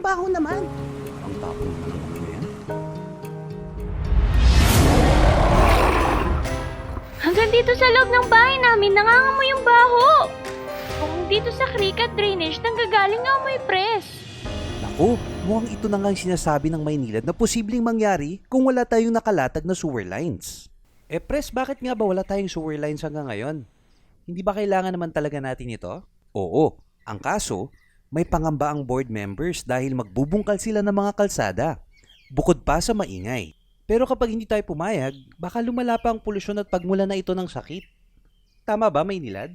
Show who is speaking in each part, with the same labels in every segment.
Speaker 1: baho naman.
Speaker 2: Ang tapong naman ng amoy na yan.
Speaker 3: Hanggang dito sa loob ng bahay namin, nangangamoy yung baho. Kung dito sa creek at drainage, nanggagaling nga amoy press.
Speaker 2: Naku, mukhang ito na nga yung sinasabi ng Maynilad na posibleng mangyari kung wala tayong nakalatag na sewer lines. Pres, bakit nga ba wala tayong sewer lines hanggang ngayon? Hindi ba kailangan naman talaga natin ito? Oo, ang kaso, may pangamba ang board members dahil magbubungkal sila ng mga kalsada. Bukod pa sa maingay. Pero kapag hindi tayo pumayag, baka lumala pa ang polusyon at pagmula na ito ng sakit. Tama ba, Maynilad?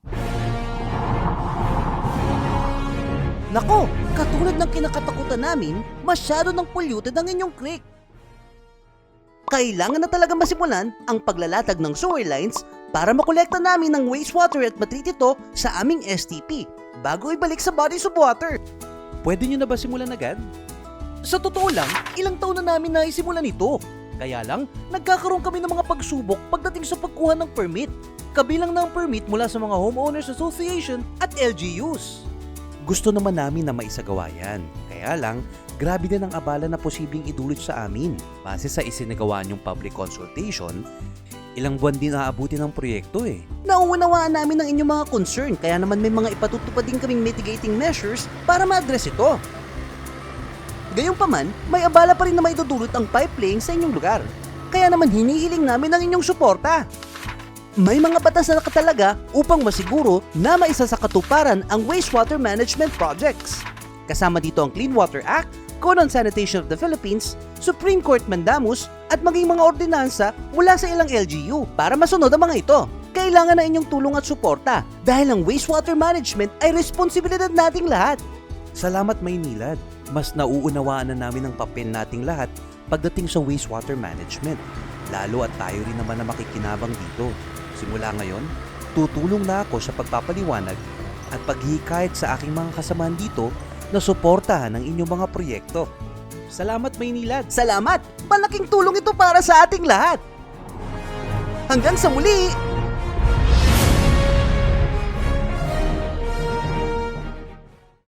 Speaker 1: Nako, katulad ng kinakatakutan namin, masyado ng polluted ang inyong creek. Kailangan na talaga masimulan ang paglalatag ng sewer lines para makolekta namin ng wastewater at matreat ito sa aming STP bago ibalik sa bodies of water.
Speaker 2: Pwede nyo na ba simulan agad?
Speaker 1: Sa totoo lang, ilang taon na namin naisimulan ito. Kaya lang, nagkakaroon kami ng mga pagsubok pagdating sa pagkuha ng permit. Kabilang na ang permit mula sa mga Homeowners Association at LGUs.
Speaker 2: Gusto naman namin na maisagawa yan. Kaya lang, grabe din ang abala na posibleng idulot sa amin. Base sa isinagawa niyong public consultation, ilang buwan din aabuti ng proyekto eh.
Speaker 1: Nauunawaan namin ang inyong mga concern kaya naman may mga ipatutupad din kaming mitigating measures para ma-address ito. Gayunpaman, may abala pa rin na maidudulot ang pipe laying sa inyong lugar. Kaya naman hinihiling namin ang inyong suporta. May mga batas na nakatalaga upang masiguro na maisa sa katuparan ang wastewater management projects. Kasama dito ang Clean Water Act, Code on Sanitation of the Philippines, Supreme Court Mandamus at maging mga ordinansa mula sa ilang LGU para masunod ang mga ito. Kailangan na inyong tulong at suporta dahil ang wastewater management ay responsibilidad nating lahat.
Speaker 2: Salamat, Maynilad. Mas nauunawaan na namin ang papel nating lahat pagdating sa wastewater management. Lalo at tayo rin naman na makikinabang dito. Simula ngayon, tutulong na ako sa pagpapaliwanag at paghihikayat sa aking mga kasamahan dito na suportahan ang inyong mga proyekto. Salamat, Maynilad!
Speaker 1: Salamat! Malaking tulong ito para sa ating lahat! Hanggang sa muli!